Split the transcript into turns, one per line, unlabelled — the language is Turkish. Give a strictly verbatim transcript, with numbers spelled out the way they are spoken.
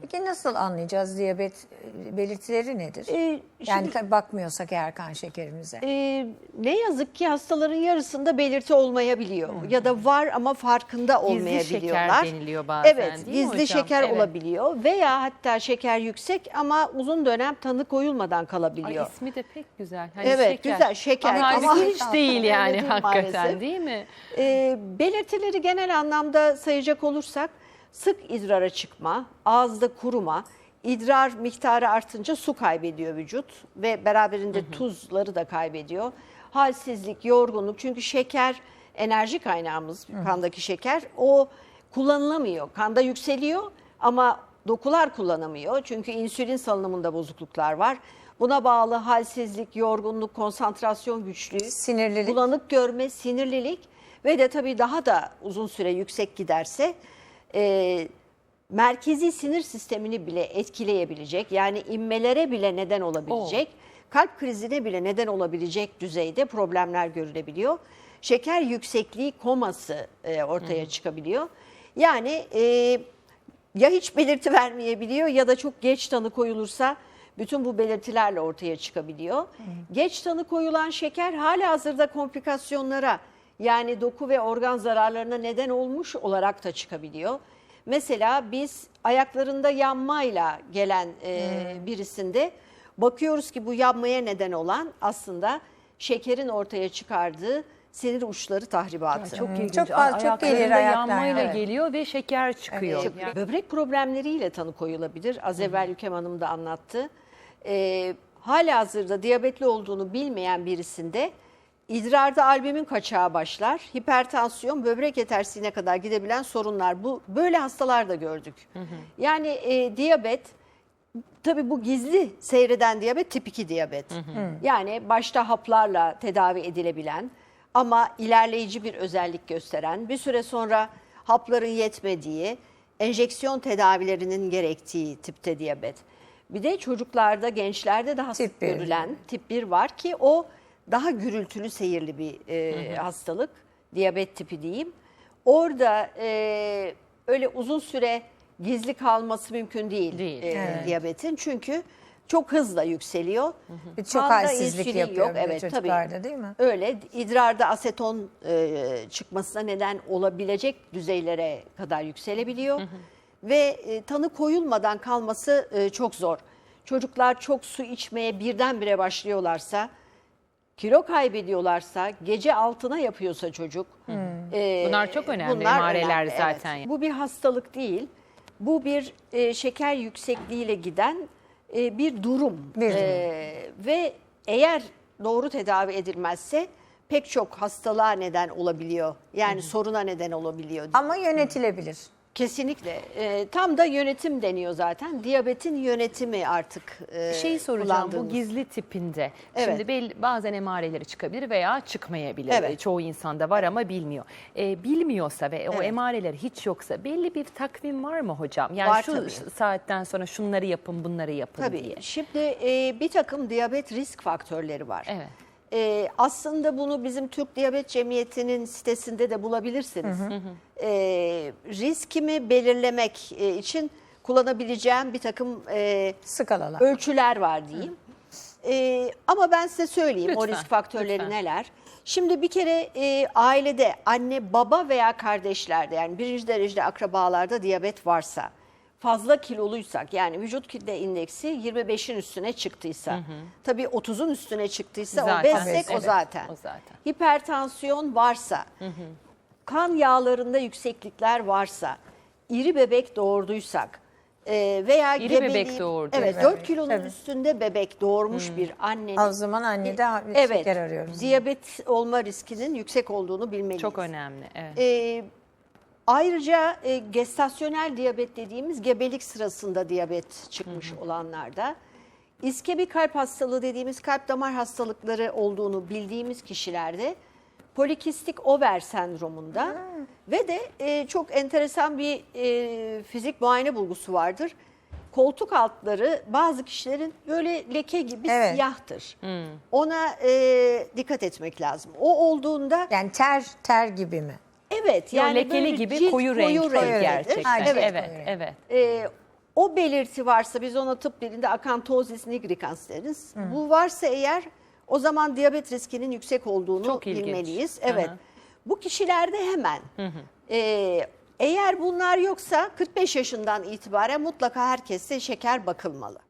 Peki nasıl anlayacağız diyabet e, belirtileri nedir?
Ee,
yani
şimdi-
bakmıyorsak eğer kan şekerimize.
Ee, ne yazık ki hastaların yarısında belirti olmayabiliyor ya da var ama farkında olmayabiliyorlar.
şeker deniliyor bazen,
Evet,
değil mi
gizli
hocam?
şeker
Evet.
olabiliyor veya hatta şeker yüksek ama uzun dönem tanı koyulmadan
Ay,
kalabiliyor.
ismi de pek güzel. Hani
Evet,
şeker.
güzel şeker
Ama
ama
halbuki hiç değil yani
öyle değil
hakikaten,
maalesef.
değil mi?
Ee, belirtileri genel anlamda sayacak olursak sık idrara çıkma, ağızda kuruma, idrar miktarı artınca su kaybediyor vücut ve beraberinde tuzları da kaybediyor. Halsizlik, yorgunluk, çünkü şeker enerji kaynağımız, kandaki şeker, o kullanılamıyor. Kanda yükseliyor ama dokular kullanamıyor çünkü insülin salınımında bozukluklar var. Buna bağlı halsizlik, yorgunluk, konsantrasyon güçlüğü,
Sinirlilik.
bulanık görme, sinirlilik ve de tabii daha da uzun süre yüksek giderse e, merkezi sinir sistemini bile etkileyebilecek, yani inmelere bile neden olabilecek, kalp krizine bile neden olabilecek düzeyde problemler görülebiliyor. Şeker yüksekliği koması e, ortaya çıkabiliyor. Yani e, ya hiç belirti vermeyebiliyor ya da çok geç tanı koyulursa bütün bu belirtilerle ortaya çıkabiliyor. Geç tanı koyulan şeker halihazırda komplikasyonlara, yani doku ve organ zararlarına neden olmuş olarak da çıkabiliyor. Mesela biz ayaklarında yanmayla gelen e, birisinde bakıyoruz ki bu yanmaya neden olan aslında şekerin ortaya çıkardığı sinir uçları tahribatı.
Çok ilginç.
Çok fazla- çok
Ayaklarında
gelir ayaklar,
yanmayla
evet.
geliyor ve şeker çıkıyor.
Evet,
Yani-
Böbrek problemleriyle tanı koyulabilir. Az evvel Yükem Hanım da anlattı. Ee, halihazırda diyabetli olduğunu bilmeyen birisinde idrarda albumin kaçağı başlar. Hipertansiyon, böbrek yetersizliğine kadar gidebilen sorunlar. Bu böyle hastalar da gördük. Yani e, diyabet, tabii bu gizli seyreden diyabet tip iki diyabet. Yani başta haplarla tedavi edilebilen ama ilerleyici bir özellik gösteren, bir süre sonra hapların yetmediği, enjeksiyon tedavilerinin gerektiği tipte diyabet. Bir de çocuklarda, gençlerde daha sık
Tip bir.
görülen tip bir var ki o daha gürültülü seyirli bir e, hastalık, diyabet tipi diyeyim. Orada e, öyle uzun süre gizli kalması mümkün değil,
Değil,
e,
evet.
diyabetin. Çünkü çok hızla yükseliyor.
Bir çok
Kanda
halsizlik
insülin
yapıyor
yok.
bir de
Evet,
çocuklarda,
tabii.
değil mi?
Öyle idrarda aseton e, çıkmasına neden olabilecek düzeylere kadar yükselebiliyor. Ve e, tanı koyulmadan kalması e, çok zor. Çocuklar çok su içmeye birdenbire başlıyorlarsa, kilo kaybediyorlarsa, gece altına yapıyorsa çocuk. e,
Bunlar çok önemli
bunlar
emareler
önemli,
zaten.
evet. Bu bir hastalık değil. Bu bir e, şeker yüksekliğiyle giden e, bir durum.
Bir durum.
E, ve eğer doğru tedavi edilmezse pek çok hastalığa neden olabiliyor. Yani soruna neden olabiliyor.
Ama yönetilebilir.
Kesinlikle. E, tam da yönetim deniyor zaten. Diyabetin yönetimi artık e,
Şeyi soracağım, bu
kullandığımız.
gizli tipinde.
Evet.
Şimdi belli, bazen emareleri çıkabilir veya çıkmayabilir.
Evet.
Çoğu insanda var ama bilmiyor. Ee, bilmiyorsa ve o
Evet.
emareler hiç yoksa belli bir takvim var mı hocam? Yani
Var
şu
tabii.
saatten sonra şunları yapın, bunları yapın
Tabii.
diye.
Şimdi e, bir takım diyabet risk faktörleri var.
Evet.
E, aslında bunu bizim Türk Diyabet Cemiyeti'nin sitesinde de bulabilirsiniz. E, riskimi belirlemek e, için kullanabileceğim bir takım e,
Skalalar.
ölçüler var diyeyim. E, ama ben size söyleyeyim o
Lütfen,
risk faktörleri
lütfen.
neler. Şimdi bir kere e, ailede anne, baba veya kardeşlerde, yani birinci derecede akrabalarda diyabet varsa, fazla kiloluysak, yani vücut kitle indeksi yirmi beşin üstüne çıktıysa, tabii otuzun üstüne çıktıysa
Zaten,
obezsek o
evet,
zaten.
o zaten.
Hipertansiyon varsa, kan yağlarında yükseklikler varsa, iri bebek doğurduysak e, veya
İri
gebeliği-
bebek doğurdu.
Evet,
Evet,
dört kilonun
tabii.
üstünde bebek doğurmuş bir annenin
O zaman annede
evet,
şeker arıyoruz.
diyabet olma riskinin yüksek olduğunu bilmeliyiz.
Çok önemli. Evet.
Ee, ayrıca e, gestasyonel diyabet dediğimiz gebelik sırasında diyabet çıkmış olanlarda, iskemik kalp hastalığı dediğimiz kalp damar hastalıkları olduğunu bildiğimiz kişilerde, polikistik over sendromunda ve de e, çok enteresan bir e, fizik muayene bulgusu vardır. Koltuk altları bazı kişilerin böyle leke gibi
Evet.
siyahtır. Ona e, dikkat etmek lazım. O olduğunda
Yani ter ter gibi mi?
evet,
Yani
yani
lekeli
böyle
gibi
cilt
koyu renkli
renklidir.
gerçekten.
Aynen.
Evet,
Evet.
evet. evet.
E, o belirti varsa, biz ona tıp dilinde akantozis nigricans deriz. Bu varsa eğer, o zaman diyabet riskinin yüksek olduğunu
Çok ilginç.
bilmeliyiz. Evet.
Hı hı.
Bu kişilerde hemen e, eğer bunlar yoksa kırk beş yaşından itibaren mutlaka herkese şeker bakılmalı.